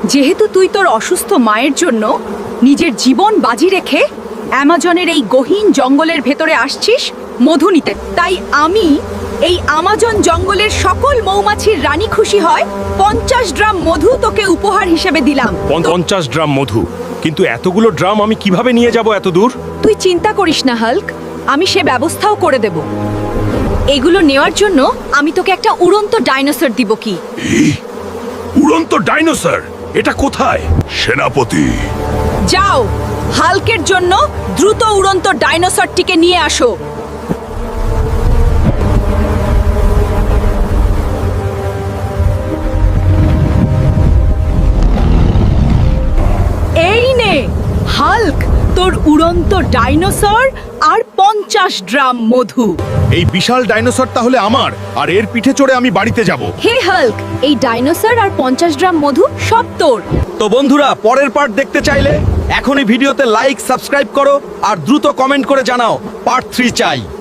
যেহেতু তুই তোর অসুস্থ মায়ের জন্য নিজের জীবন বাজি রেখে অ্যামাজনের এই গহীন জঙ্গলের ভেতরে আসছিস মধু নিতে, তাই আমি এই আমাজন জঙ্গলের সকল মৌমাছির রানী খুশি হয় 50 ড্রাম মধু তোকে উপহার হিসেবে দিলাম। 50 ড্রাম মধু? কিন্তু এতগুলো ড্রাম আমি কিভাবে নিয়ে যাব এত দূর? তুই চিন্তা করিস না হাল্ক, আমি সে ব্যবস্থাও করে দেব। এগুলো নেওয়ার জন্য আমি তোকে একটা উড়ন্ত ডাইনোসর দিব। কি উড়ন্ত ডাইনোসর? এটা কোথায়? সেনাপতি, যাও, হাল্কের জন্য দ্রুত উড়ন্ত ডাইনোসরটিকে নিয়ে আসো। এই নে হাল্ক, তোর উড়ন্ত ডাইনোসর আর 50 ড্রাম মধু। এই বিশাল ডাইনোসর তাহলে আমার, আর এর পিঠে চড়ে আমি বাড়িতে যাব। হে হাল্ক, এই ডাইনোসর আর 50 ড্রাম মধু সব তোর। তো বন্ধুরা, পরের পার্ট দেখতে চাইলে এখনই ভিডিওতে লাইক, সাবস্ক্রাইব করো আর দ্রুত কমেন্ট করে জানাও পার্ট 3 চাই।